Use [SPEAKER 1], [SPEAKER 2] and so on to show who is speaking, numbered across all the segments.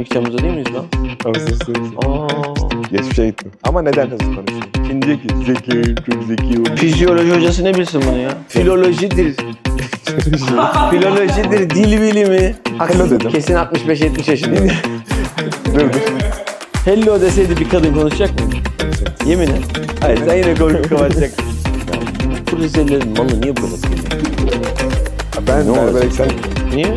[SPEAKER 1] 12 Temmuz'da değil miyiz lan?
[SPEAKER 2] Ağustos'tayız.
[SPEAKER 1] Aa.
[SPEAKER 2] Geçmişe gittim. Ama neden hızlı konuşuyorum?
[SPEAKER 1] Kim diyor ki?
[SPEAKER 2] Zeki, çok zeki oldum.
[SPEAKER 1] Fizyoloji hocası ne bilsin bunu ya? Filolojidir. Filolojidir, dil bilimi.
[SPEAKER 2] Hello dedim.
[SPEAKER 1] Kesin 65-70 yaşında.
[SPEAKER 2] Dur.
[SPEAKER 1] Hello deseydi bir kadın konuşacak mı? Yemin et. Hayır sen yine korkup kapatacaksın. Bu Rizelilerin malı niye bu kadar kıymetli?
[SPEAKER 2] Ben
[SPEAKER 1] Ne olacak?
[SPEAKER 2] belki sen...
[SPEAKER 1] Niye?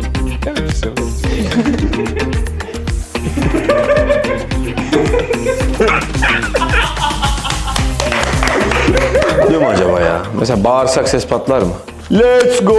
[SPEAKER 1] Oluyor mu acaba ya? Mesela bağırsak ses patlar mı? Let's go!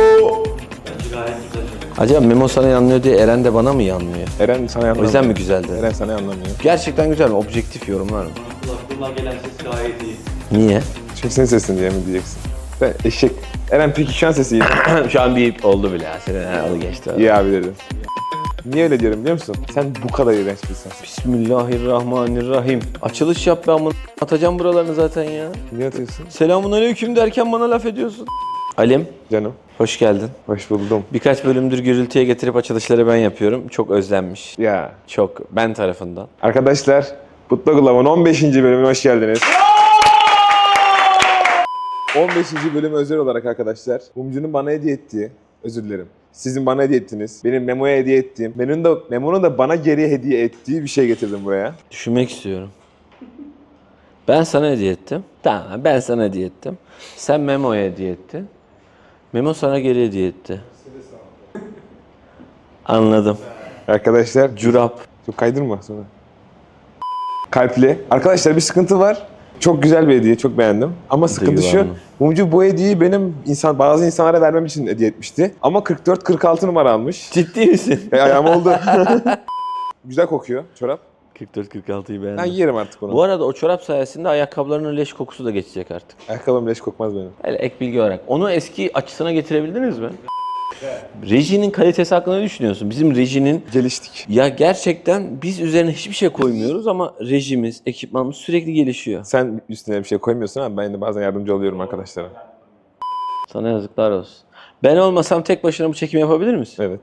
[SPEAKER 1] Acaba Memo sana yanlıyor diye Eren de bana mı yanmıyor?
[SPEAKER 2] Eren sana anlamıyor.
[SPEAKER 1] O yüzden mi güzeldi?
[SPEAKER 2] Eren sana anlamıyor.
[SPEAKER 1] Gerçekten güzel mi? Objektif yorumlar mı?
[SPEAKER 3] Kulaklarından gelen ses gayet iyi.
[SPEAKER 1] Niye?
[SPEAKER 2] Çünkü senin sesin diye mi diyeceksin? Ben eşek. Eren peki şu an sesi iyi.
[SPEAKER 1] Şu an bir oldu bile ya. Senin adı geçti.
[SPEAKER 2] İyi abi dedim. Niye öyle diyorum biliyor musun? Sen bu kadar iğrenç bir insansın.
[SPEAKER 1] Bismillahirrahmanirrahim. Açılış yap, ben bunu atacağım buralarını zaten ya.
[SPEAKER 2] Niye atıyorsun?
[SPEAKER 1] Selamünaleyküm derken bana laf ediyorsun. Alim,
[SPEAKER 2] Canım.
[SPEAKER 1] hoş geldin.
[SPEAKER 2] Hoş buldum.
[SPEAKER 1] Birkaç bölümdür gürültüye getirip açılışları ben yapıyorum. Çok özlenmiş.
[SPEAKER 2] Ya.
[SPEAKER 1] Çok. Ben tarafından.
[SPEAKER 2] Arkadaşlar, Putlu Gulav'ın 15. bölümüne hoş geldiniz. 15. bölüm özel olarak arkadaşlar, Mumcu'nun bana hediye ettiği, özür dilerim, sizin bana hediye ettiğiniz, benim Memo'ya hediye ettiğim, Memo'nun da bana geri hediye ettiği bir şey getirdim buraya.
[SPEAKER 1] Düşünmek istiyorum. Ben sana hediye ettim. Tamam, ben sana hediye ettim. Sen Memo'ya hediye ettin. Memo sana geri hediye etti. Anladım.
[SPEAKER 2] Arkadaşlar,
[SPEAKER 1] Curap.
[SPEAKER 2] çok kaydırma sonra. Kalpli. Arkadaşlar bir sıkıntı var. Çok güzel bir hediye, çok beğendim. Ama sıkıntı şu,
[SPEAKER 1] güvendim.
[SPEAKER 2] Mumcu bu hediyeyi bazı insanlara vermem için hediye etmişti. Ama 44-46 numara almış.
[SPEAKER 1] Ciddi misin?
[SPEAKER 2] Ayağım oldu. Güzel kokuyor çorap.
[SPEAKER 1] 44-46'yı beğendim.
[SPEAKER 2] Ben yerim artık onu.
[SPEAKER 1] Bu arada o çorap sayesinde ayakkabılarının leş kokusu da geçecek artık.
[SPEAKER 2] Ayakkabım leş kokmaz benim.
[SPEAKER 1] Hele ek bilgi olarak. Onu eski açısına getirebildiniz mi? Rejinin kalitesi hakkında ne düşünüyorsun? Bizim rejinin...
[SPEAKER 2] Geliştik.
[SPEAKER 1] Ya gerçekten biz üzerine hiçbir şey koymuyoruz ama rejimiz, ekipmanımız sürekli gelişiyor.
[SPEAKER 2] Sen üstüne bir şey koymuyorsun ama ben de bazen yardımcı oluyorum arkadaşlara.
[SPEAKER 1] Sana yazıklar olsun. Ben olmasam tek başına bu çekimi yapabilir misin?
[SPEAKER 2] Evet.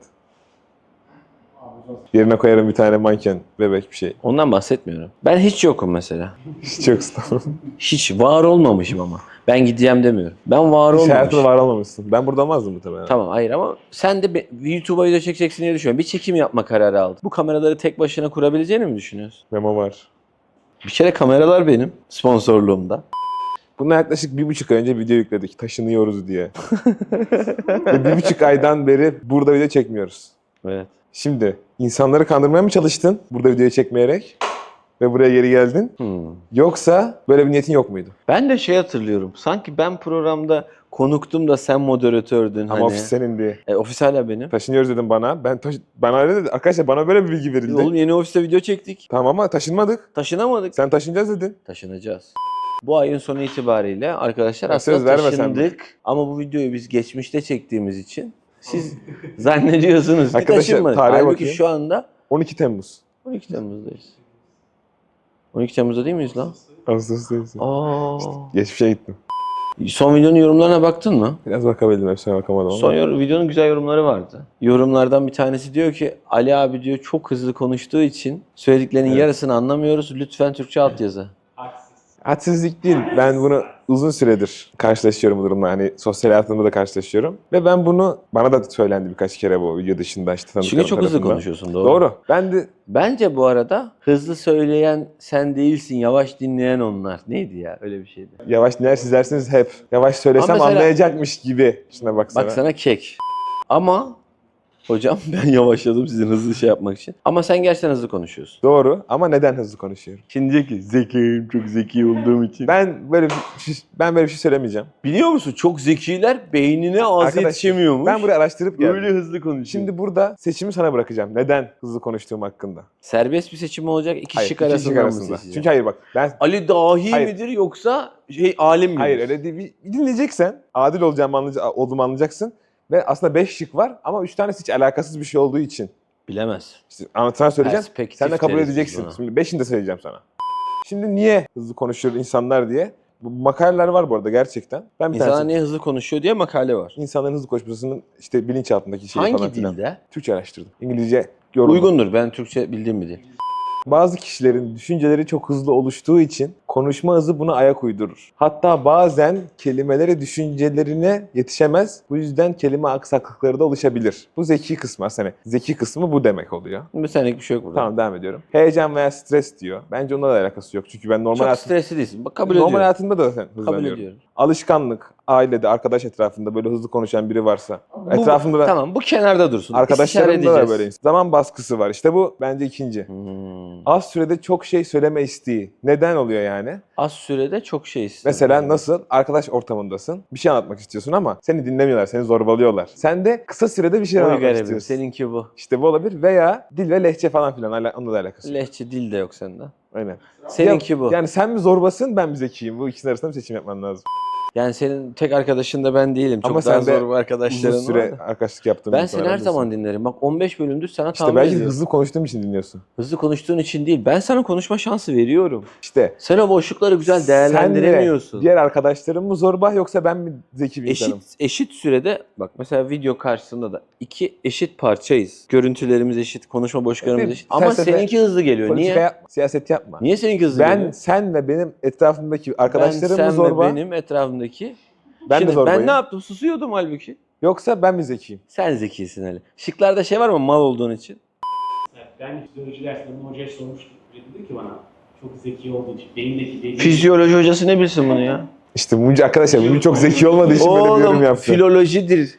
[SPEAKER 2] Yerine koyarım bir tane manken, bebek bir şey.
[SPEAKER 1] Ondan bahsetmiyorum. Ben hiç yokum mesela.
[SPEAKER 2] Hiç yoksun.
[SPEAKER 1] Hiç var olmamışım ama. Ben gideceğim demiyorum. Ben var
[SPEAKER 2] Hiç hayatında
[SPEAKER 1] olmamışım.
[SPEAKER 2] var olmamışsın. Ben burada olmazdım muhtemelen.
[SPEAKER 1] Tamam hayır ama sen de YouTube'a video çekeceksin diye düşünüyorum. Bir çekim yapma kararı aldın. Bu kameraları tek başına kurabileceğini mi düşünüyorsun?
[SPEAKER 2] Memo var.
[SPEAKER 1] Bir kere kameralar benim sponsorluğumda.
[SPEAKER 2] Bundan yaklaşık 1,5 ay önce video yükledik. Taşınıyoruz diye. Ve 1,5 aydan beri burada video çekmiyoruz.
[SPEAKER 1] Evet.
[SPEAKER 2] Şimdi insanları kandırmaya mı çalıştın burada videoyu çekmeyerek? Ve buraya geri geldin. Yoksa böyle bir niyetin yok muydu?
[SPEAKER 1] Ben de şey hatırlıyorum. Sanki ben programda konuktum da sen moderatördün.
[SPEAKER 2] Ama ofis senin diye.
[SPEAKER 1] Ofis hala benim.
[SPEAKER 2] Taşınıyoruz dedim bana. Bana öyle dedi. Arkadaşlar bana böyle bir bilgi verildi.
[SPEAKER 1] Oğlum yeni ofiste video çektik.
[SPEAKER 2] Tamam ama taşınmadık.
[SPEAKER 1] Taşınamadık.
[SPEAKER 2] Sen taşınacağız dedin.
[SPEAKER 1] Taşınacağız. Bu ayın sonu itibariyle arkadaşlar
[SPEAKER 2] Ya söz
[SPEAKER 1] aslında
[SPEAKER 2] vermesen mi?
[SPEAKER 1] taşındık. Ama bu videoyu biz geçmişte çektiğimiz için siz zannediyorsunuz ki
[SPEAKER 2] Arkadaşlar,
[SPEAKER 1] taşınmadık.
[SPEAKER 2] tarihe
[SPEAKER 1] Halbuki
[SPEAKER 2] bakayım.
[SPEAKER 1] şu anda
[SPEAKER 2] 12 Temmuz.
[SPEAKER 1] 12 Temmuz'dayız. 12 Temmuz'da değil miyiz lan?
[SPEAKER 2] Ağustos'tayız.
[SPEAKER 1] Aa.
[SPEAKER 2] Geçmişe gittim.
[SPEAKER 1] Son videonun yorumlarına baktın mı?
[SPEAKER 2] Biraz bakabildim. Hepsine bakamadım ama.
[SPEAKER 1] Videonun güzel yorumları vardı. Yorumlardan bir tanesi diyor ki Ali abi diyor çok hızlı konuştuğu için söylediklerinin
[SPEAKER 2] Evet.
[SPEAKER 1] yarısını anlamıyoruz. Lütfen Türkçe altyazı.
[SPEAKER 2] Hadsizlik değil. Ben bunu uzun süredir karşılaşıyorum bu durumla. Hani sosyal hayatımda da karşılaşıyorum. Ve ben bunu, bana da söylendi birkaç kere bu video dışında işte tanıdıklarım
[SPEAKER 1] Çünkü çok hızlı
[SPEAKER 2] tarafından.
[SPEAKER 1] konuşuyorsun doğru.
[SPEAKER 2] Doğru. Ben de
[SPEAKER 1] Bence bu arada hızlı söyleyen sen değilsin, yavaş dinleyen onlar. Neydi ya? Öyle bir şeydi.
[SPEAKER 2] yavaş dinler sizlersiniz hep. Yavaş söylesem
[SPEAKER 1] Ama mesela-
[SPEAKER 2] anlayacakmış gibi. Şuna baksana.
[SPEAKER 1] Bak sana kek. Ama hocam ben yavaşladım sizin hızlı şey yapmak için. Ama sen gerçekten hızlı konuşuyorsun.
[SPEAKER 2] Doğru ama neden hızlı konuşuyorum?
[SPEAKER 1] Şimdi diyor ki zekiyim, çok zeki olduğum için.
[SPEAKER 2] Ben böyle bir şey söylemeyeceğim.
[SPEAKER 1] Biliyor musun? Çok zekiler beynine ağzı
[SPEAKER 2] Arkadaş,
[SPEAKER 1] yetişemiyormuş.
[SPEAKER 2] Ben buraya araştırıp geldim.
[SPEAKER 1] böyle hızlı konuşuyor.
[SPEAKER 2] Şimdi burada seçimi sana bırakacağım. Neden hızlı konuştuğum hakkında?
[SPEAKER 1] Serbest bir seçim olacak, iki
[SPEAKER 2] Hayır,
[SPEAKER 1] şık
[SPEAKER 2] iki
[SPEAKER 1] arasından
[SPEAKER 2] şık
[SPEAKER 1] mı
[SPEAKER 2] arasında.
[SPEAKER 1] seçeceğim?
[SPEAKER 2] Çünkü hayır bak ben
[SPEAKER 1] Ali dahi
[SPEAKER 2] Hayır.
[SPEAKER 1] midir yoksa alim midir?
[SPEAKER 2] hayır öyle değil. Bir dinleyeceksen adil olduğumu anlayacaksın. Ve aslında 5 şık var ama 3 tanesi hiç alakasız bir şey olduğu için.
[SPEAKER 1] Bilemez.
[SPEAKER 2] İşte sana söyleyeceğim.
[SPEAKER 1] Perspektif
[SPEAKER 2] Sen de kabul
[SPEAKER 1] deriz biz
[SPEAKER 2] edeceksin.
[SPEAKER 1] buna.
[SPEAKER 2] Şimdi 5'ini de söyleyeceğim sana. Şimdi niye hızlı konuşuyor insanlar diye. Bu makaleler var bu arada gerçekten. Ben bir
[SPEAKER 1] İnsanlar
[SPEAKER 2] tanesi.
[SPEAKER 1] niye hızlı konuşuyor diye makale var.
[SPEAKER 2] İnsanların hızlı konuşmasının işte bilinçaltındaki şeyi falan
[SPEAKER 1] Hangi
[SPEAKER 2] filan.
[SPEAKER 1] dilde?
[SPEAKER 2] Türkçe araştırdım. İngilizce
[SPEAKER 1] Uygundur. Ben Türkçe bildiğim bir dil.
[SPEAKER 2] Bazı kişilerin düşünceleri çok hızlı oluştuğu için konuşma hızı buna ayak uydurur. Hatta bazen kelimeleri düşüncelerine yetişemez. Bu yüzden kelime aksaklıkları da oluşabilir. Bu zeki kısmı aslında. Zeki kısmı bu demek oluyor.
[SPEAKER 1] Bir senelik bir şey yok burada.
[SPEAKER 2] Tamam, devam ediyorum. Heyecan veya stres diyor. Bence onunla da alakası yok. Çünkü ben
[SPEAKER 1] Çok stresli değilsin. Bak, kabul ediyorum.
[SPEAKER 2] normal hayatımda da
[SPEAKER 1] Kabul
[SPEAKER 2] hızlanıyorum.
[SPEAKER 1] ediyorum.
[SPEAKER 2] Alışkanlık, ailede, arkadaş etrafında böyle hızlı konuşan biri varsa.
[SPEAKER 1] Bu-
[SPEAKER 2] Etrafımda ben
[SPEAKER 1] Tamam, bu kenarda dursun. İstişare
[SPEAKER 2] arkadaşlarımda da
[SPEAKER 1] edeceğiz.
[SPEAKER 2] böyle. Zaman baskısı var. İşte bu bence ikinci. Az sürede çok şey söyleme isteği. Neden oluyor yani?
[SPEAKER 1] Az sürede çok şey istiyorum.
[SPEAKER 2] Mesela nasıl? Arkadaş ortamındasın. Bir şey anlatmak istiyorsun ama seni dinlemiyorlar, seni zorbalıyorlar. Sen de kısa sürede bir şey
[SPEAKER 1] Oy
[SPEAKER 2] anlatmak
[SPEAKER 1] garibim,
[SPEAKER 2] istiyorsun.
[SPEAKER 1] seninki bu.
[SPEAKER 2] İşte bu olabilir. Veya dil ve lehçe falan filan. Onunla da alakası yok.
[SPEAKER 1] Lehçe dil de yok sende.
[SPEAKER 2] Aynen.
[SPEAKER 1] Seninki bu.
[SPEAKER 2] Yani sen mi zorbasın, ben mi zekiyim? Bu ikisinin arasında bir seçim yapman lazım.
[SPEAKER 1] Yani senin tek arkadaşın da ben değilim. Çok
[SPEAKER 2] Ama
[SPEAKER 1] daha
[SPEAKER 2] sen de
[SPEAKER 1] zor bir arkadaşların
[SPEAKER 2] Uzun süre
[SPEAKER 1] var da.
[SPEAKER 2] arkadaşlık yaptığım
[SPEAKER 1] Ben
[SPEAKER 2] için
[SPEAKER 1] seni her
[SPEAKER 2] aramızdasın.
[SPEAKER 1] zaman dinlerim. Bak 15 bölümdür sana
[SPEAKER 2] İşte
[SPEAKER 1] tahammül
[SPEAKER 2] belki
[SPEAKER 1] ediyorum.
[SPEAKER 2] hızlı konuştuğum için dinliyorsun.
[SPEAKER 1] Hızlı konuştuğun için değil. Ben sana konuşma şansı veriyorum.
[SPEAKER 2] İşte
[SPEAKER 1] Sen o boşlukları güzel değerlendiremiyorsun.
[SPEAKER 2] Sen de diğer arkadaşlarım mı zorba yoksa ben mi zeki bir insanım?
[SPEAKER 1] Eşit sürede bak mesela video karşısında da iki eşit parçayız. Görüntülerimiz eşit, konuşma boşluklarımız
[SPEAKER 2] Evet,
[SPEAKER 1] eşit. Ama
[SPEAKER 2] felsefe,
[SPEAKER 1] seninki hızlı geliyor.
[SPEAKER 2] Politika
[SPEAKER 1] Niye?
[SPEAKER 2] yapma, siyaset yapma.
[SPEAKER 1] Niye seninki hızlı
[SPEAKER 2] Ben,
[SPEAKER 1] geliyor?
[SPEAKER 2] sen ve benim etrafımdaki arkadaşlarım
[SPEAKER 1] ben,
[SPEAKER 2] mı
[SPEAKER 1] sen
[SPEAKER 2] zorba
[SPEAKER 1] ve benim etrafımdaki.
[SPEAKER 2] Ben de
[SPEAKER 1] Şimdi
[SPEAKER 2] zorbayım.
[SPEAKER 1] ben ne yaptım? Susuyordum halbuki.
[SPEAKER 2] Yoksa ben mi zekiyim?
[SPEAKER 1] Sen zekisin Ali. Şıklarda şey var mı mal olduğun için?
[SPEAKER 4] Ben fizyoloji derslerinde hocaya sormuştum. Dedi ki bana çok zeki olduğu için beyindeki beyin...
[SPEAKER 1] Fizyoloji hocası ne bilsin bunu ya?
[SPEAKER 2] İşte Muncu arkadaşlar Muncu çok zeki olmadığı için böyle bir yorum
[SPEAKER 1] Oğlum
[SPEAKER 2] yaptı.
[SPEAKER 1] filolojidir.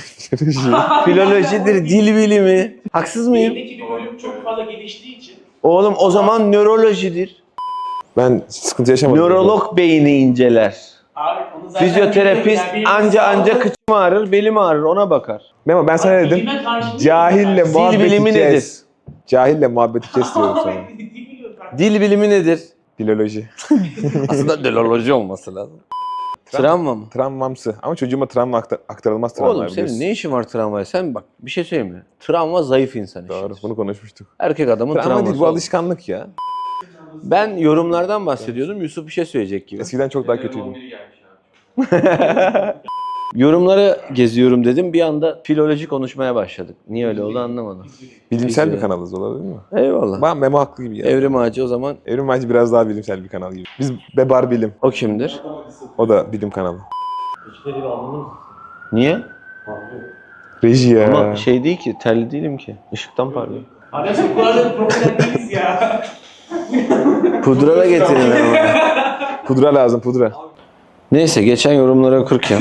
[SPEAKER 1] Filolojidir, dil bilimi. Haksız mıyım?
[SPEAKER 4] Beyindeki bir bölüm çok fazla geliştiği için
[SPEAKER 1] Oğlum o zaman nörolojidir.
[SPEAKER 2] Ben sıkıntı yaşamadım.
[SPEAKER 1] Nörolog beyni inceler.
[SPEAKER 4] abi onu zaten
[SPEAKER 1] Fizyoterapist anca kıçım ağrır, belim ağrır ona bakar.
[SPEAKER 2] Memo ben sana ne dedim?
[SPEAKER 4] Bilime karşı değil
[SPEAKER 2] Cahille
[SPEAKER 4] mi?
[SPEAKER 2] muhabbeti
[SPEAKER 1] bilimi
[SPEAKER 2] kes.
[SPEAKER 1] nedir?
[SPEAKER 2] Cahille muhabbeti kes diyorum sana.
[SPEAKER 1] Dil bilimi nedir?
[SPEAKER 2] Filoloji.
[SPEAKER 1] Aslında deloloji olması lazım. Travma mı?
[SPEAKER 2] Travmamsı. Ama çocuğuma travma aktarılmaz travma.
[SPEAKER 1] Oğlum senin ne işin var travmaya? Sen bak bir şey söyleyeyim mi? Travma zayıf insan
[SPEAKER 2] Doğru,
[SPEAKER 1] işidir.
[SPEAKER 2] bunu konuşmuştuk.
[SPEAKER 1] Erkek adamın
[SPEAKER 2] Travma
[SPEAKER 1] travması
[SPEAKER 2] değil, bu
[SPEAKER 1] olur.
[SPEAKER 2] alışkanlık ya.
[SPEAKER 1] Ben yorumlardan bahsediyordum. Yusuf bir şey söyleyecek gibi.
[SPEAKER 2] Eskiden çok daha kötüydüm.
[SPEAKER 1] Yorumları geziyorum dedim. Bir anda filoloji konuşmaya başladık. Niye öyle oldu anlamadım.
[SPEAKER 2] Bilimsel bir
[SPEAKER 1] Biz-
[SPEAKER 2] kanalız olabilir mi?
[SPEAKER 1] Eyvallah.
[SPEAKER 2] Ben Memo haklı gibi ya.
[SPEAKER 1] Evrim Ağacı o zaman
[SPEAKER 2] Evrim Ağacı biraz daha bilimsel bir kanal gibi. Biz Bebar Bilim.
[SPEAKER 1] o kimdir?
[SPEAKER 2] O da bilim kanalı.
[SPEAKER 3] Hiçbiri bir anladın mı?
[SPEAKER 1] Niye?
[SPEAKER 2] Reji ya.
[SPEAKER 1] Ama şey değil ki, terli değilim ki. Işıktan parlıyor.
[SPEAKER 4] Arkadaşlar bu arada problem değiliz ya.
[SPEAKER 1] Pudra da getirin ama.
[SPEAKER 2] Pudra lazım, pudra.
[SPEAKER 1] Neyse geçen yorumları okurken.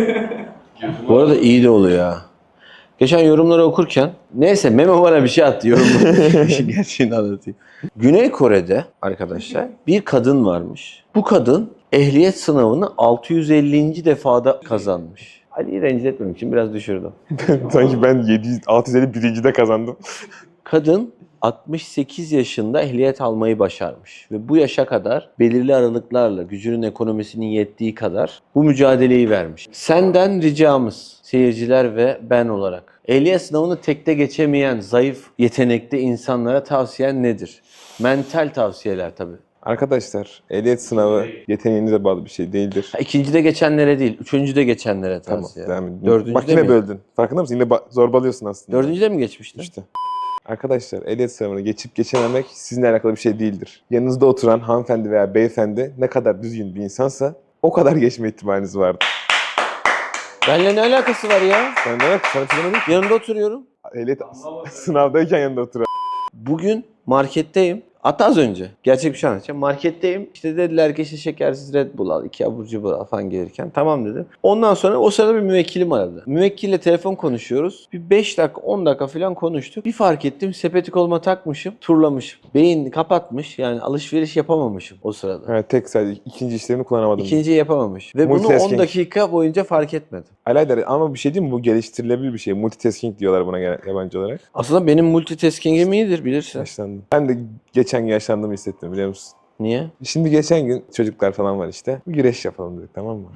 [SPEAKER 1] Bu arada iyi de oluyor ya. Geçen yorumları okurken. Neyse Memo bana bir şey attı yorumları. İşin gerçeğini anlatayım. Güney Kore'de arkadaşlar bir kadın varmış. Bu kadın ehliyet sınavını 650. defada kazanmış. Ali'yi rencide etmemek için biraz düşürdüm.
[SPEAKER 2] Sanki ben 651. kazandım.
[SPEAKER 1] Kadın 68 yaşında ehliyet almayı başarmış ve bu yaşa kadar belirli aralıklarla gücünün ekonomisinin yettiği kadar bu mücadeleyi vermiş. Senden ricamız seyirciler ve ben olarak ehliyet sınavını tekte geçemeyen zayıf yetenekli insanlara tavsiyen nedir? Mental tavsiyeler tabii.
[SPEAKER 2] Arkadaşlar ehliyet sınavı yeteneğinize bağlı bir şey değildir.
[SPEAKER 1] İkincide geçenlere değil, üçüncüde geçenlere
[SPEAKER 2] Tamam,
[SPEAKER 1] tavsiye.
[SPEAKER 2] devam edin.
[SPEAKER 1] Dördüncüde
[SPEAKER 2] Bak yine
[SPEAKER 1] mi?
[SPEAKER 2] böldün. Farkında mısın? Yine zorbalıyorsun aslında.
[SPEAKER 1] Dördüncüde mi geçmiştin?
[SPEAKER 2] İşte. Arkadaşlar ehliyet sınavını geçip geçememek sizinle alakalı bir şey değildir. Yanınızda oturan hanımefendi veya beyefendi ne kadar düzgün bir insansa o kadar geçme ihtimaliniz vardır.
[SPEAKER 1] Benimle ne alakası var ya?
[SPEAKER 2] Sen de bak sana çözemedim ki.
[SPEAKER 1] Yanında oturuyorum.
[SPEAKER 2] Ehliyet sınavdayken yanında oturan.
[SPEAKER 1] Bugün marketteyim. Hatta az önce. Gerçek bir şey anlatacağım. Marketteyim. İşte dediler ki işte şekersiz Red Bull al, 2 abur cubur al falan gelirken. Tamam dedim. Ondan sonra o sırada bir müvekkilim aradı. Müvekkille telefon konuşuyoruz. Bir 5 dakika 10 dakika falan konuştuk. Bir fark ettim sepeti koluma takmışım. Turlamışım. Beyin kapatmış. Yani alışveriş yapamamışım o sırada.
[SPEAKER 2] Evet, tek sadece ikinci işlerini kullanamadım.
[SPEAKER 1] İkinciyi yapamamış. Ve bunu 10
[SPEAKER 2] Multitasking.
[SPEAKER 1] dakika boyunca fark etmedim.
[SPEAKER 2] Alaydar ama bir şey değil mi? Bu geliştirilebilir bir şey. Multitasking diyorlar buna yabancı olarak.
[SPEAKER 1] Aslında benim multitasking'im iyidir bilirsin.
[SPEAKER 2] Yaşlandım. Ben de geçen gün yaşlandığımı hissettim biliyor musun?
[SPEAKER 1] Niye?
[SPEAKER 2] Şimdi geçen gün çocuklar falan var işte. Bir güreş yapalım dedik, tamam mı?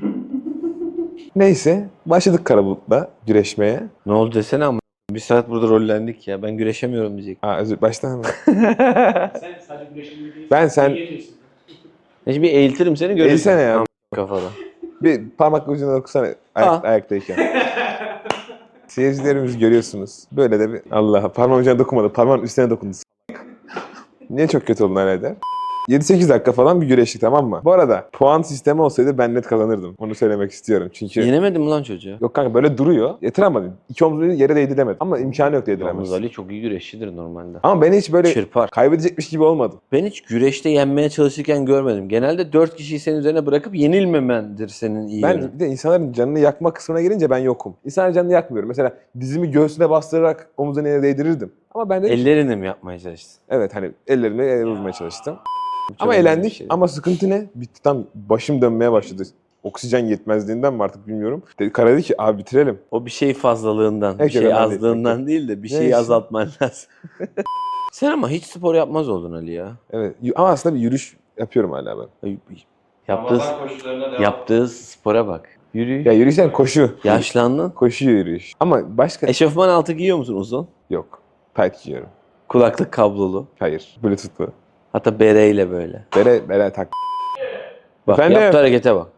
[SPEAKER 2] Neyse başladık Karabulut'la güreşmeye.
[SPEAKER 1] Ne oldu desene ama. Bir saat burada rollendik ya. Ben güreşemiyorum diyecek.
[SPEAKER 2] Baştan mı?
[SPEAKER 4] Sen sadece güreşimde değilsin.
[SPEAKER 2] Ben sen-
[SPEAKER 4] Yiyemiyorsun.
[SPEAKER 1] Şimdi bir eğiltirim seni görürsün.
[SPEAKER 2] Eğilsene ya.
[SPEAKER 1] Kafada.
[SPEAKER 2] Bir parmak ucunu okusana
[SPEAKER 1] Ha.
[SPEAKER 2] ayaktayken. Seyircilerimiz görüyorsunuz. Böyle de bir Allah parmağım ucuna dokunmadı. Parmağın üstüne dokundu. Niye çok kötü oldun eder? 7-8 dakika falan bir güreştik, tamam mı? Bu arada puan sistemi olsaydı ben net kazanırdım. Onu söylemek istiyorum. Çünkü
[SPEAKER 1] Yenemedim mi lan çocuğu?
[SPEAKER 2] yok kanka böyle duruyor. Yatıramadım. İki omzunu yere değdiremedim. Ama imkanı yok
[SPEAKER 1] Yalnız
[SPEAKER 2] değdiremez.
[SPEAKER 1] Ali çok iyi güreşçidir normalde.
[SPEAKER 2] Ama ben hiç böyle
[SPEAKER 1] Çırpar.
[SPEAKER 2] kaybedecekmiş gibi olmadım.
[SPEAKER 1] Ben hiç güreşte yenmeye çalışırken görmedim. Genelde 4 kişiyi senin üzerine bırakıp yenilmemendir senin iyi yönün.
[SPEAKER 2] Ben bir de insanların canını yakma kısmına gelince ben yokum. İnsanların canını yakmıyorum. Mesela dizimi göğsüne bastırarak omuzuna yere değdirirdim. Ama ben de
[SPEAKER 1] Ellerini mi yapmaya çalıştın?
[SPEAKER 2] evet hani ellerimle yere vurmaya çalıştım.
[SPEAKER 1] Çok
[SPEAKER 2] Ama
[SPEAKER 1] önemli bir
[SPEAKER 2] eğlendik.
[SPEAKER 1] şey.
[SPEAKER 2] Ama sıkıntı ne? Bitti, tam başım dönmeye başladı. Oksijen yetmezliğinden mi artık bilmiyorum. Kara dedi ki abi bitirelim.
[SPEAKER 1] O bir şey fazlalığından, bir
[SPEAKER 2] Evet,
[SPEAKER 1] şey
[SPEAKER 2] önemli değil,
[SPEAKER 1] azlığından değil de bir şeyi
[SPEAKER 2] Neyse.
[SPEAKER 1] azaltman lazım. Sen ama hiç spor yapmaz oldun Ali ya.
[SPEAKER 2] Evet. Ama aslında bir yürüyüş yapıyorum hala ben.
[SPEAKER 1] Yaptığı spora bak. Yürü.
[SPEAKER 2] Ya yürüyüşten koşu.
[SPEAKER 1] Yaşlandın.
[SPEAKER 2] Koşu yürüyüş. Ama başka
[SPEAKER 1] Eşofman altı giyiyor musun uzun?
[SPEAKER 2] yok. Tight giyiyorum.
[SPEAKER 1] Kulaklık kablolu.
[SPEAKER 2] Hayır. Bluetooth'lu.
[SPEAKER 1] Hatta bereyle böyle.
[SPEAKER 2] Bere tak.
[SPEAKER 1] Bak
[SPEAKER 2] Efendim?
[SPEAKER 1] yaptığı harekete bak.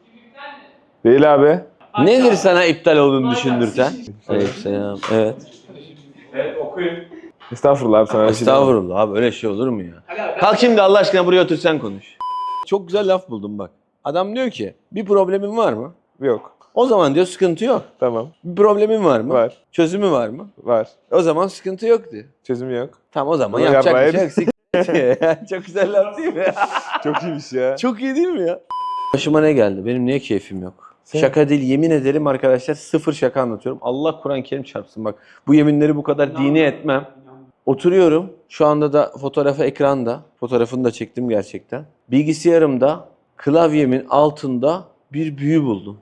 [SPEAKER 2] Değil abi.
[SPEAKER 1] Nedir sana iptal olduğunu düşündürten? Aleykümselam. Evet.
[SPEAKER 4] Evet okuyun.
[SPEAKER 2] Estağfurullah abi sana. bir şey demem.
[SPEAKER 1] Estağfurullah abi öyle şey olur mu ya?
[SPEAKER 4] Ali abi.
[SPEAKER 1] Kalk şimdi Allah aşkına buraya otur sen konuş. Çok güzel laf buldum bak. Adam diyor ki bir problemin var mı?
[SPEAKER 2] Yok.
[SPEAKER 1] O zaman diyor sıkıntı yok.
[SPEAKER 2] Tamam.
[SPEAKER 1] Bir problemin var mı?
[SPEAKER 2] Var.
[SPEAKER 1] Çözümü var mı?
[SPEAKER 2] Var.
[SPEAKER 1] O zaman sıkıntı yok diyor.
[SPEAKER 2] Çözüm yok.
[SPEAKER 1] Tamam o zaman
[SPEAKER 2] Bunu
[SPEAKER 1] yapacak bir
[SPEAKER 2] yapmayın.
[SPEAKER 1] şey yok. Çok güzel laf değil mi?
[SPEAKER 2] Çok iyiymiş ya.
[SPEAKER 1] Çok iyi değil mi ya? Başıma ne geldi? Benim niye keyfim yok?
[SPEAKER 2] Sen-
[SPEAKER 1] Şaka değil yemin ederim arkadaşlar sıfır şaka anlatıyorum. Allah Kur'an-ı Kerim çarpsın bak. Bu yeminleri bu kadar dini etmem. Oturuyorum. Şu anda da fotoğrafı ekranda. Fotoğrafını da çektim gerçekten. Bilgisayarımda klavyemin altında bir büyü buldum.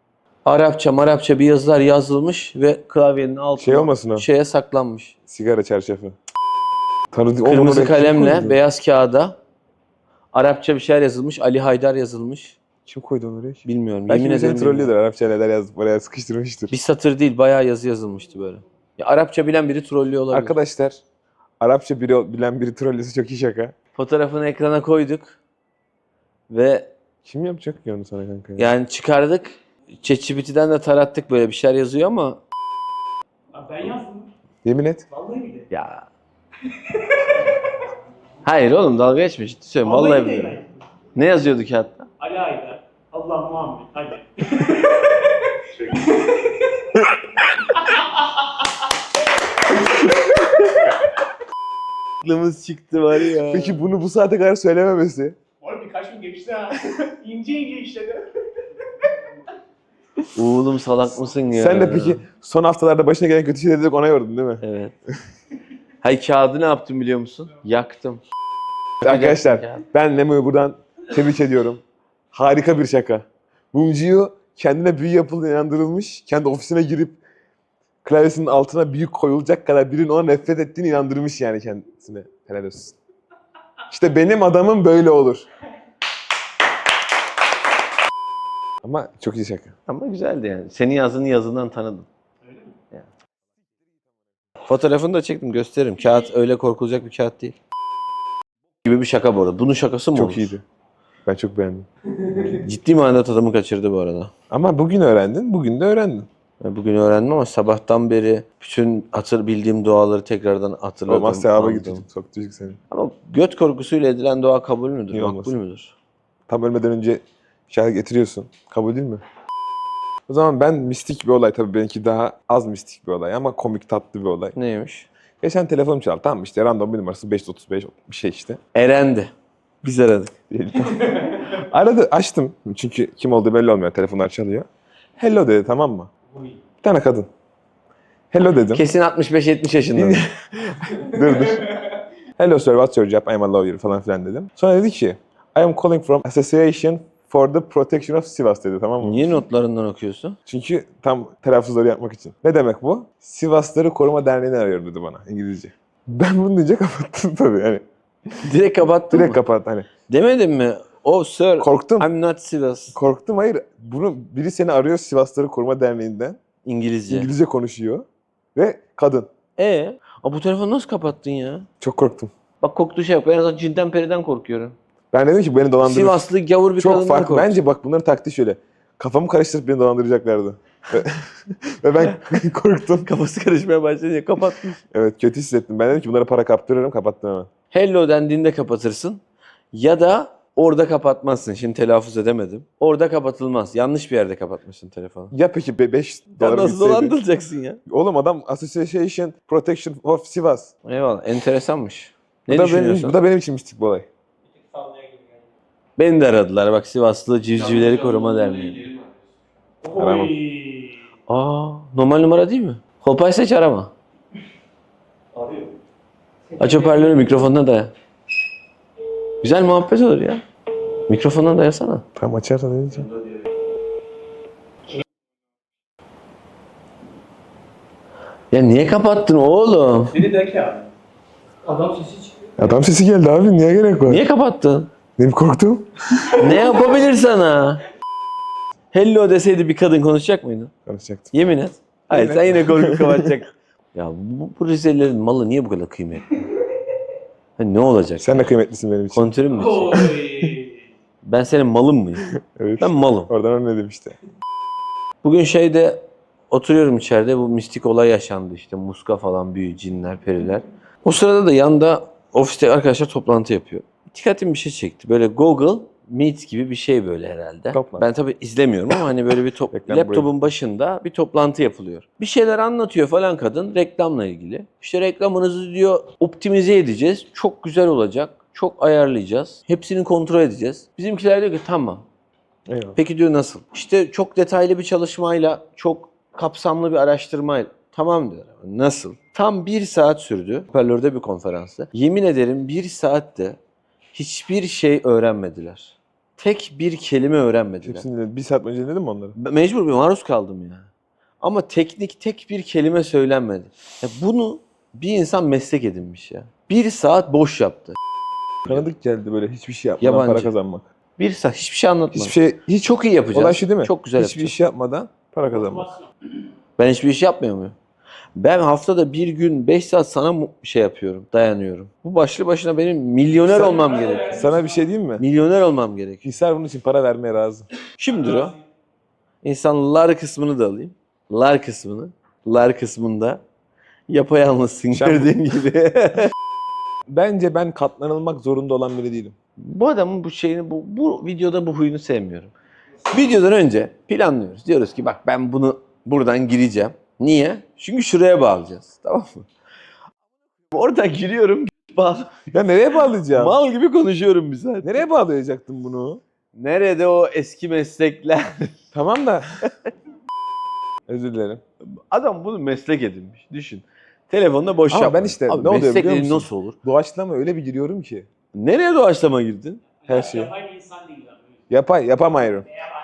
[SPEAKER 1] Arapça bir yazılar yazılmış ve klavyenin altına
[SPEAKER 2] Şey olmasın o?
[SPEAKER 1] şeye saklanmış.
[SPEAKER 2] Sigara çarşafı. Tanıdık.
[SPEAKER 1] Kırmızı
[SPEAKER 2] Oğlum, oraya kim
[SPEAKER 1] kalemle
[SPEAKER 2] koydu?
[SPEAKER 1] beyaz kağıda Arapça bir şeyler yazılmış. Ali Haydar yazılmış.
[SPEAKER 2] Kim koydu onu oraya?
[SPEAKER 1] Bilmiyorum.
[SPEAKER 2] Belki
[SPEAKER 1] yemin
[SPEAKER 2] bir seni
[SPEAKER 1] ederim. bilmiyorum.
[SPEAKER 2] trollüyordur. Arapça neler yazıp oraya sıkıştırmıştır.
[SPEAKER 1] Bir satır değil bayağı yazı yazılmıştı böyle. Ya Arapça bilen biri trollüyor olabilir.
[SPEAKER 2] Arkadaşlar Arapça bilen biri trollüyorsa çok iyi şaka.
[SPEAKER 1] Fotoğrafını ekrana koyduk ve
[SPEAKER 2] Kim yapacak ki onu sana kanka?
[SPEAKER 1] yani çıkardık. ChatGPT'den de tarattık böyle bir şeyler yazıyor ama
[SPEAKER 4] Abi ben yazdım.
[SPEAKER 2] Yemin et.
[SPEAKER 4] Vallahi bile.
[SPEAKER 1] ya hayır oğlum dalga geçme ciddi söylüyorum vallahi
[SPEAKER 4] bile
[SPEAKER 1] biliyorum.
[SPEAKER 4] yani.
[SPEAKER 1] Ne yazıyordu kağıtta?
[SPEAKER 4] Ali Aydar. Allah Muhammed. Hadi.
[SPEAKER 1] Aklımız çıktı var ya.
[SPEAKER 2] Peki bunu bu saate kadar söylememesi?
[SPEAKER 4] Oğlum birkaç gün geçti ha. ince işledi.
[SPEAKER 1] Oğlum salak mısın ya?
[SPEAKER 2] Sen de peki son haftalarda başına gelen kötü şeyleri dedik ona yordun değil mi?
[SPEAKER 1] Evet. Hay kağıdı ne yaptım biliyor musun? Yaktım.
[SPEAKER 2] Arkadaşlar
[SPEAKER 1] Kağıt.
[SPEAKER 2] ben Nemo'yu buradan tebrik ediyorum. Harika bir şaka. Mumcuyu kendine büyü yapıldığına inandırılmış. Kendi ofisine girip klavyesinin altına büyü koyulacak kadar birinin ona nefret ettiğini inandırmış yani kendisine. Helal olsun. İşte benim adamım böyle olur. Ama çok iyi şaka.
[SPEAKER 1] Ama güzeldi yani. Senin yazını yazından tanıdım.
[SPEAKER 4] Öyle mi?
[SPEAKER 1] Yani. Fotoğrafını da çektim gösteririm. Kağıt öyle korkulacak bir kağıt değil. Gibi bir şaka bu arada. Bunun şakası mı
[SPEAKER 2] Çok
[SPEAKER 1] olur?
[SPEAKER 2] iyiydi. Ben çok beğendim.
[SPEAKER 1] Ciddi manada tadımı kaçırdı bu arada.
[SPEAKER 2] Ama bugün öğrendin, bugün de öğrendin.
[SPEAKER 1] Ben bugün öğrendim ama sabahtan beri bütün bildiğim duaları tekrardan hatırladım.
[SPEAKER 2] Olmaz sevaba
[SPEAKER 1] anladım.
[SPEAKER 2] gidecek. Çok düşük seni.
[SPEAKER 1] Ama göt korkusuyla edilen dua kabul müdür?
[SPEAKER 2] Niye
[SPEAKER 1] Makbul
[SPEAKER 2] olmasın?
[SPEAKER 1] müdür?
[SPEAKER 2] Tam ölmeden önce şahit getiriyorsun. Kabul değil mi? O zaman ben mistik bir olay, tabii benimki daha az mistik bir olay ama komik tatlı bir olay.
[SPEAKER 1] Neymiş?
[SPEAKER 2] Geçen telefonum çaldı. Tamam işte random bir numarası 535 bir şey işte.
[SPEAKER 1] Erendi. Biz aradık.
[SPEAKER 2] Aradı, açtım. Çünkü kim olduğu belli olmuyor. Telefonlar çalıyor. Hello dedi, tamam mı?
[SPEAKER 4] Uy.
[SPEAKER 2] Bir tane kadın. Hello dedim.
[SPEAKER 1] Kesin 65-70 yaşında.
[SPEAKER 2] Dur. Hello sir, what's your job? I'm a lawyer falan filan dedim. Sonra dedi ki I am calling from Association for the Protection of Sivas dedi, tamam mı?
[SPEAKER 1] Niye notlarından okuyorsun?
[SPEAKER 2] Çünkü tam telaffuzları yapmak için. Ne demek bu? Sivasları Koruma Derneği'ni arıyorum dedi bana İngilizce. Ben bunu duyunca kapattım tabii yani.
[SPEAKER 1] Direkt kapattın
[SPEAKER 2] Direkt
[SPEAKER 1] mı?
[SPEAKER 2] kapat hani.
[SPEAKER 1] Demedin mi? Oh sir,
[SPEAKER 2] Korktum.
[SPEAKER 1] I'm not Sivas.
[SPEAKER 2] Korktum, hayır. Bunu biri seni arıyor Sivasları Koruma Derneği'nden.
[SPEAKER 1] İngilizce.
[SPEAKER 2] İngilizce konuşuyor. Ve kadın.
[SPEAKER 1] Bu telefonu nasıl kapattın ya?
[SPEAKER 2] Çok korktum.
[SPEAKER 1] Bak korktuğu şey yok. Ben en azından cinden periden korkuyorum.
[SPEAKER 2] Ben dedim ki beni dolandırır.
[SPEAKER 1] Sivaslı gavur bir
[SPEAKER 2] Çok
[SPEAKER 1] kadından
[SPEAKER 2] farklı.
[SPEAKER 1] korktum.
[SPEAKER 2] Bence bak bunların taktiği şöyle. Kafamı karıştırıp beni dolandıracaklardı. Ve ben korktum.
[SPEAKER 1] Kafası karışmaya başlayınca kapatmış.
[SPEAKER 2] Evet, kötü hissettim. Ben dedim ki bunlara para kaptırırım, kapattım hemen.
[SPEAKER 1] Hello dendiğinde kapatırsın. Ya da orada kapatmazsın. Şimdi telaffuz edemedim. Orada kapatılmaz. Yanlış bir yerde kapatmışsın telefonu.
[SPEAKER 2] Ya peki 5
[SPEAKER 1] Ya
[SPEAKER 2] dolar
[SPEAKER 1] nasıl
[SPEAKER 2] gitseydi?
[SPEAKER 1] dolandırılacaksın ya?
[SPEAKER 2] Oğlum adam Association Protection of Sivas.
[SPEAKER 1] Eyvallah. Enteresanmış. Ne
[SPEAKER 2] Bu da, benim,
[SPEAKER 1] düşünüyorsun?
[SPEAKER 2] bu da benim için mistik bir olay.
[SPEAKER 3] Sallaya gibi geldi.
[SPEAKER 1] Beni de aradılar. Bak Sivaslı Civcivleri Koruma Derneği.
[SPEAKER 2] Aramam.
[SPEAKER 1] Aa, normal numara değil mi? Kolpaysa hiç arama.
[SPEAKER 3] Arıyor.
[SPEAKER 1] Aç hoparlörü mikrofonuna daya. Güzel muhabbet olur ya. Mikrofonuna dayasana.
[SPEAKER 2] Tamam, açarsan ne diyeceğim?
[SPEAKER 1] Ya niye kapattın oğlum?
[SPEAKER 4] Beni de ki abi.
[SPEAKER 3] Adam sesi çıkıyor.
[SPEAKER 2] Adam sesi geldi abi, niye gerek var?
[SPEAKER 1] Niye kapattın?
[SPEAKER 2] Benim korktum.
[SPEAKER 1] Ne yapabilir sana? Hello deseydi bir kadın konuşacak mıydın?
[SPEAKER 2] Konuşacaktım.
[SPEAKER 1] Yemin et. Hayır
[SPEAKER 2] Yemin
[SPEAKER 1] sen yine korkup kapatacaksın. Ya bu Rizelilerin malı niye bu kadar kıymetli? Ha, ne olacak?
[SPEAKER 2] Sen de kıymetlisin benim için.
[SPEAKER 1] Kontörün mü?
[SPEAKER 4] Oy.
[SPEAKER 1] Ben senin malın mıyım?
[SPEAKER 2] Evet.
[SPEAKER 1] Ben malım.
[SPEAKER 2] Oradan anladım işte.
[SPEAKER 1] Bugün şeyde oturuyorum içeride, bu mistik olay yaşandı işte. Muska falan, büyü, cinler, periler. O sırada da yanda ofiste arkadaşlar toplantı yapıyor. Dikkatimi bir şey çekti. Böyle Google Meet gibi bir şey böyle herhalde.
[SPEAKER 2] Toplantı.
[SPEAKER 1] Ben tabii izlemiyorum ama hani böyle bir
[SPEAKER 2] Reklam
[SPEAKER 1] laptopun başında bir toplantı yapılıyor. Bir şeyler anlatıyor falan kadın reklamla ilgili. İşte reklamınızı diyor optimize edeceğiz. Çok güzel olacak. Çok ayarlayacağız. Hepsini kontrol edeceğiz. Bizimkiler diyor ki tamam.
[SPEAKER 2] Eyvallah.
[SPEAKER 1] Peki diyor nasıl? İşte çok detaylı bir çalışmayla, çok kapsamlı bir araştırmayla. Tamam diyor. Nasıl? Tam 1 saat sürdü. Hoparlörde bir konferansta. Yemin ederim 1 saatte hiçbir şey öğrenmediler. Tek bir kelime öğrenmediler.
[SPEAKER 2] Hepsini dinledim. 1 saat önce dinledin mi onları?
[SPEAKER 1] Mecbur bir maruz kaldım ya. Ama teknik tek bir kelime söylenmedi. Ya bunu bir insan meslek edinmiş ya. 1 saat boş yaptı.
[SPEAKER 2] Tanıdık geldi böyle hiçbir şey yapmadan
[SPEAKER 1] Yabancı.
[SPEAKER 2] para kazanmak.
[SPEAKER 1] 1 saat hiçbir şey anlatmadı.
[SPEAKER 2] Hiçbir şey, hiç
[SPEAKER 1] Çok iyi yapacağız.
[SPEAKER 2] olay şu değil mi?
[SPEAKER 1] Çok güzel
[SPEAKER 2] Hiçbir
[SPEAKER 1] yapacağız.
[SPEAKER 2] iş yapmadan para kazanmak.
[SPEAKER 1] Ben hiçbir iş yapmıyor muyum? Ben haftada bir gün 5 saat sana şey yapıyorum, dayanıyorum. Bu başlı başına benim milyoner
[SPEAKER 2] Sen-
[SPEAKER 1] olmam gerekiyor.
[SPEAKER 2] Sana bir şey diyeyim mi?
[SPEAKER 1] Milyoner olmam gerekiyor.
[SPEAKER 2] Hisar bunun için para vermeye razı.
[SPEAKER 1] Kimdir o? İnsanlar kısmını da alayım. Lar kısmını. Lar kısmında yapayalnızsın
[SPEAKER 2] Şam-
[SPEAKER 1] gördüğün gibi.
[SPEAKER 2] Bence ben katlanılmak zorunda olan biri değilim.
[SPEAKER 1] Bu adamın bu şeyini, bu videoda bu huyunu sevmiyorum. Videodan önce planlıyoruz. Diyoruz ki bak ben bunu buradan gireceğim. Niye? Çünkü şuraya bağlayacağız. Tamam mı? Oradan giriyorum. Bağlı.
[SPEAKER 2] Ya nereye bağlayacağım?
[SPEAKER 1] Mal gibi konuşuyorum bir saat.
[SPEAKER 2] Nereye bağlayacaktım bunu?
[SPEAKER 1] Nerede o eski meslekler?
[SPEAKER 2] Tamam da. Özür dilerim.
[SPEAKER 1] Adam bunu meslek edinmiş. Düşün. Telefonda boş
[SPEAKER 2] Ama
[SPEAKER 1] yapma.
[SPEAKER 2] ben işte
[SPEAKER 1] Abi
[SPEAKER 2] ne oluyor
[SPEAKER 1] meslek
[SPEAKER 2] biliyor
[SPEAKER 1] dediğin
[SPEAKER 2] musun?
[SPEAKER 1] nasıl olur?
[SPEAKER 2] Doğaçlama öyle bir giriyorum ki.
[SPEAKER 1] Nereye doğaçlama girdin?
[SPEAKER 2] Her şey.
[SPEAKER 4] Yapay bir insan değil abi.
[SPEAKER 2] Yapamıyorum.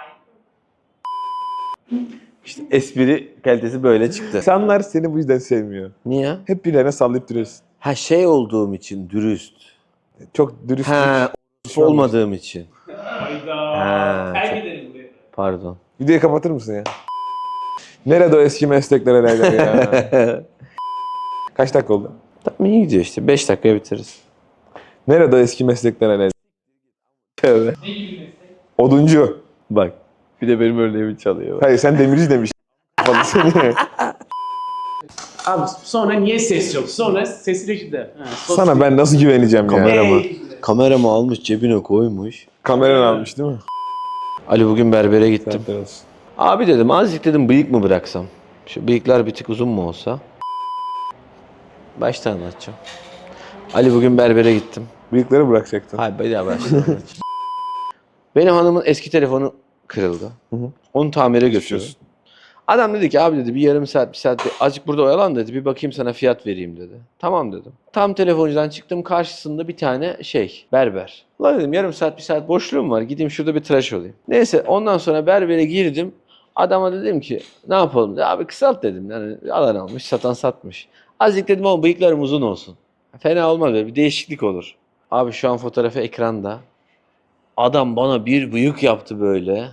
[SPEAKER 1] İşte espri kalitesi böyle çıktı.
[SPEAKER 2] İnsanlar seni bu yüzden sevmiyor.
[SPEAKER 1] Niye?
[SPEAKER 2] Hep birilerine sallayıp duruyorsun.
[SPEAKER 1] Ha şey olduğum için dürüst.
[SPEAKER 2] Çok dürüst.
[SPEAKER 1] Ha olmadığım için.
[SPEAKER 4] Hayda.
[SPEAKER 1] Ha,
[SPEAKER 4] Terk edelim burayı.
[SPEAKER 1] Pardon.
[SPEAKER 2] Videoyu kapatır mısın ya? Nerede o eski meslekler herhalde ya? Kaç dakika oldu?
[SPEAKER 1] Tamam iyi gidiyor işte. 5 dakikaya bitiririz.
[SPEAKER 2] Nerede o eski meslekler herhalde?
[SPEAKER 1] Tövbe.
[SPEAKER 4] Ne gibi bir meslek?
[SPEAKER 2] Oduncu.
[SPEAKER 1] Bak. Bir de benim örneğimi çalıyor.
[SPEAKER 2] Hayır sen demirci demiş. Kapalı seni.
[SPEAKER 4] Abi sonra niye ses yok? Sonra sesi reşide.
[SPEAKER 2] Sana ben nasıl güveneceğim ya?
[SPEAKER 1] Kamera mı? Kameramı almış cebine koymuş.
[SPEAKER 2] Kameranı almış değil mi?
[SPEAKER 1] Ali bugün berbere gittim.
[SPEAKER 2] Saatler olsun.
[SPEAKER 1] Abi dedim azıcık dedim bıyık mı bıraksam? Şu bıyıklar bir tık uzun mu olsa? Baştan anlatacağım. Ali bugün berbere gittim.
[SPEAKER 2] Bıyıkları bırakacaktın.
[SPEAKER 1] Hayır bir daha baştan anlatacağım. Benim hanımın eski telefonu kırıldı.
[SPEAKER 2] Hı hı.
[SPEAKER 1] Onu tamire götürdüm.
[SPEAKER 2] Geçiyorsun.
[SPEAKER 1] Adam dedi ki abi dedi bir yarım saat bir saat azıcık burada oyalan dedi bir bakayım sana fiyat vereyim dedi. Tamam dedim. Tam telefoncudan çıktım karşısında bir tane berber. Ulan dedim yarım saat bir saat boşluğum var gideyim şurada bir tıraş olayım. Neyse ondan sonra berbere girdim. Adama dedim ki ne yapalım dedi. Abi kısalt dedim. Yani alan almış satan satmış. Azıcık dedim ama bıyıklarım uzun olsun. Fena olmaz böyle bir değişiklik olur. Abi şu an fotoğrafı ekranda. Adam bana bir bıyık yaptı böyle.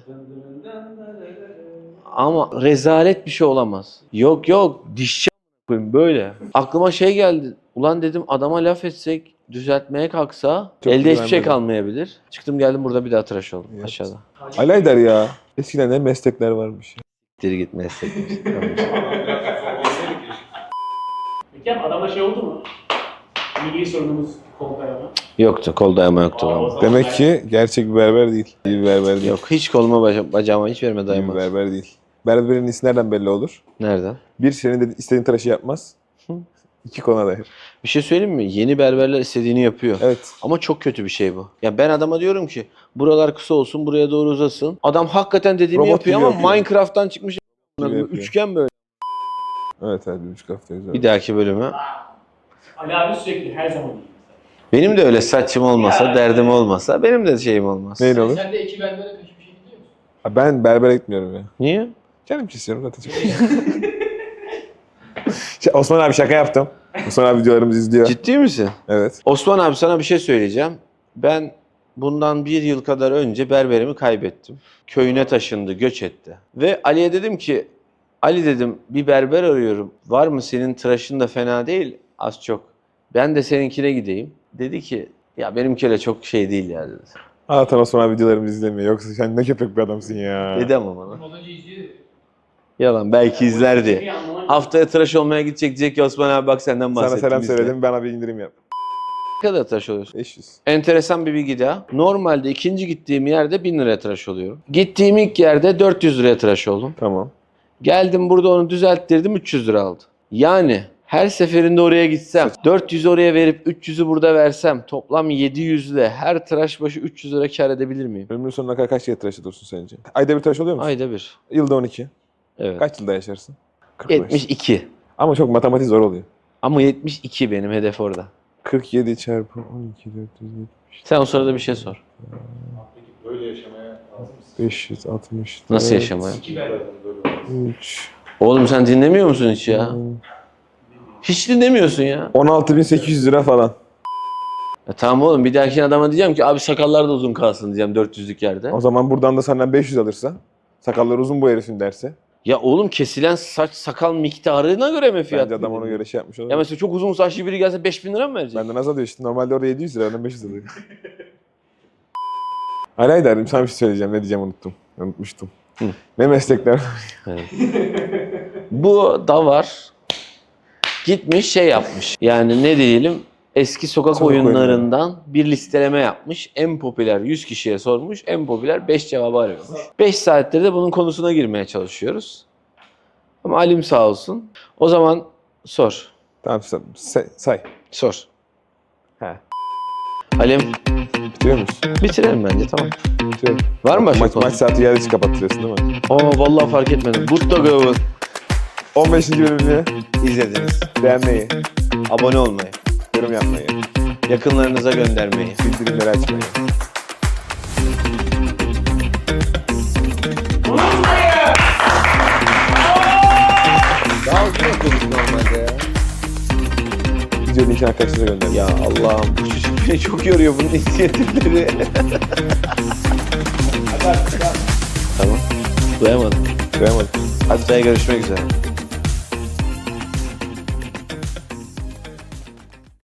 [SPEAKER 1] Ama rezalet bir şey olamaz. Yok dişçi a**ayım böyle. Aklıma şey geldi. Ulan dedim adama laf etsek düzeltmeye kalksa
[SPEAKER 2] Çok
[SPEAKER 1] elde hiçbir şey
[SPEAKER 2] güvenmedim.
[SPEAKER 1] kalmayabilir. Çıktım geldim burada bir daha tıraş oldum
[SPEAKER 2] Evet.
[SPEAKER 1] aşağıda.
[SPEAKER 2] Alaydar ya. Eskiden ne meslekler varmış.
[SPEAKER 1] Siktir git meslekmiş.
[SPEAKER 4] Peki abi adamla şey oldu mu? Milli sorunumuz kol dayama.
[SPEAKER 1] Yoktu. Kol dayama yoktu.
[SPEAKER 4] Aa, o
[SPEAKER 1] Ama.
[SPEAKER 4] zaman
[SPEAKER 2] Demek
[SPEAKER 4] ben-
[SPEAKER 2] ki gerçek bir berber değil. İyi bir berber değil.
[SPEAKER 1] Yok hiç koluma bacağıma hiç verme
[SPEAKER 2] İyi bir
[SPEAKER 1] dayama.
[SPEAKER 2] berber değil. Berberin iyisi nereden belli olur?
[SPEAKER 1] Nereden?
[SPEAKER 2] Bir, senin de istediğin tıraşı yapmaz. İki, kona dair.
[SPEAKER 1] Bir şey söyleyeyim mi? Yeni berberler istediğini yapıyor.
[SPEAKER 2] Evet.
[SPEAKER 1] Ama çok kötü bir şey bu. Ya ben adama diyorum ki buralar kısa olsun, buraya doğru uzasın. Adam hakikaten dediğimi
[SPEAKER 2] Robot
[SPEAKER 1] yapıyor
[SPEAKER 2] gibi
[SPEAKER 1] ama
[SPEAKER 2] yapıyor.
[SPEAKER 1] Minecraft'tan çıkmış
[SPEAKER 2] Gibi yapıyor.
[SPEAKER 1] üçgen böyle.
[SPEAKER 2] Evet, 1,5 hafta güzel.
[SPEAKER 1] Bir dahaki bölüme.
[SPEAKER 4] Ali abi sürekli her zaman iyi.
[SPEAKER 1] Benim de öyle saçım olmasa,
[SPEAKER 4] Ya.
[SPEAKER 1] derdim olmasa benim de şeyim olmaz.
[SPEAKER 2] Neyle olur?
[SPEAKER 3] Sen de iki berbere peş bir şey gidiyor musun?
[SPEAKER 2] Ha, ben berbere gitmiyorum ya.
[SPEAKER 1] Niye?
[SPEAKER 2] Canım kesiyorum zaten. Osman abi şaka yaptım. Osman abi videolarımızı izliyor.
[SPEAKER 1] Ciddi misin?
[SPEAKER 2] Evet.
[SPEAKER 1] Osman abi sana bir şey söyleyeceğim. Ben bundan 1 yıl kadar önce berberimi kaybettim. Köyüne taşındı, göç etti. Ve Ali'ye dedim ki, Ali dedim bir berber arıyorum. Var mı senin tıraşın da fena değil az çok. Ben de seninkine gideyim. Dedi ki ya benimkiyle çok şey değil ya dedi.
[SPEAKER 2] Allah'tan Osman abi videolarımızı izlemiyor. Yoksa sen ne köpek bir adamsın ya.
[SPEAKER 1] Dedi ama bana.
[SPEAKER 3] Olunca izliyor.
[SPEAKER 1] Yalan belki izlerdi.
[SPEAKER 4] Bir anlamak-
[SPEAKER 1] Haftaya tıraş olmaya gidecek diyecek ki Osman abi bak senden
[SPEAKER 2] Sana
[SPEAKER 1] bahsettim.
[SPEAKER 2] selam
[SPEAKER 1] izle.
[SPEAKER 2] söyledim, bana bir indirim yap.
[SPEAKER 1] Ne kadar tıraş oluyorsun?
[SPEAKER 2] 500.
[SPEAKER 1] Enteresan bir bilgi daha. Normalde ikinci gittiğim yerde 1000 liraya tıraş oluyorum. Gittiğim ilk yerde 400 liraya tıraş oldum.
[SPEAKER 2] Tamam.
[SPEAKER 1] Geldim burada onu düzelttirdim 300 lira aldı. Yani her seferinde oraya gitsem 400 oraya verip 300'ü burada versem toplam 700 ile her tıraş başı 300 lira kar edebilir miyim?
[SPEAKER 2] Ömrünün sonuna kadar kaç kere tıraş ediyorsun sence? Ayda bir tıraş oluyor musun?
[SPEAKER 1] Ayda bir.
[SPEAKER 2] Yılda 12.
[SPEAKER 1] Evet.
[SPEAKER 2] Kaç yılda yaşarsın? 45.
[SPEAKER 1] 72.
[SPEAKER 2] Ama çok matematik zor oluyor.
[SPEAKER 1] Ama 72 benim hedef orada.
[SPEAKER 2] 47 çarpı 12 470
[SPEAKER 1] Sen o sırada bir şey sor.
[SPEAKER 5] Peki böyle yaşamaya lazım mısın?
[SPEAKER 2] 560.
[SPEAKER 1] Nasıl yaşamaya?
[SPEAKER 4] İki berber.
[SPEAKER 2] 3.
[SPEAKER 1] Oğlum sen dinlemiyor musun hiç ya? Hiç dinlemiyorsun ya.
[SPEAKER 2] 16.800 lira falan.
[SPEAKER 1] Ya tamam oğlum bir dahaki adama diyeceğim ki abi sakallar da uzun kalsın diyeceğim 400'lük yerde.
[SPEAKER 2] O zaman buradan da senden 500 alırsa, sakalları uzun bu herifin derse,
[SPEAKER 1] Ya oğlum kesilen saç sakal miktarına göre mi fiyat?
[SPEAKER 2] bence adam ona
[SPEAKER 1] belirliyor?
[SPEAKER 2] göre şey yapmış olur.
[SPEAKER 1] Ya mesela çok uzun saçlı biri gelse 5000 lira mı verecek?
[SPEAKER 2] Benden az alıyor işte. Normalde orada 700 lira, benden 500 alıyor. Ali derim, sana bir şey söyleyeceğim. Ne diyeceğim unuttum. Unutmuştum.
[SPEAKER 1] Hı.
[SPEAKER 2] Ne meslekler?
[SPEAKER 1] Bu da var. Gitmiş şey yapmış. Yani ne diyelim eski sokak
[SPEAKER 2] Sokak
[SPEAKER 1] oyunlarından bir listeleme yapmış. En popüler 100 kişiye sormuş. En popüler 5 cevabı arıyormuş. 5 saattir de bunun konusuna girmeye çalışıyoruz. Ama Alim sağ olsun. O zaman sor.
[SPEAKER 2] Tamam say.
[SPEAKER 1] Sor.
[SPEAKER 2] He.
[SPEAKER 1] Alim
[SPEAKER 2] Bitiriyor musun?
[SPEAKER 1] bitirelim bence tamam.
[SPEAKER 2] Bitiriyorum.
[SPEAKER 1] Var mı başka
[SPEAKER 2] Maç
[SPEAKER 1] konu?
[SPEAKER 2] saati geldi hiç kapattırıyorsun değil mi?
[SPEAKER 1] Aa vallahi fark etmedim. Buttogav'ı
[SPEAKER 2] 15. bölümünü
[SPEAKER 1] izlediniz.
[SPEAKER 2] beğenmeyi,
[SPEAKER 1] Abone olmayı,
[SPEAKER 2] yorum yapmayı,
[SPEAKER 1] yakınlarınıza göndermeyi.
[SPEAKER 2] bildirimleri açmayı.
[SPEAKER 1] Daha uzun yapıyorduk normalde ya.
[SPEAKER 2] Video linkini arkadaşlara gönderin.
[SPEAKER 1] Ya Allah'ım bu çocuk beni çok yoruyor bunun inisiyatifleri. Tamam. Duyamadım.
[SPEAKER 2] Beğenmedim.
[SPEAKER 1] Haftaya görüşmek üzere.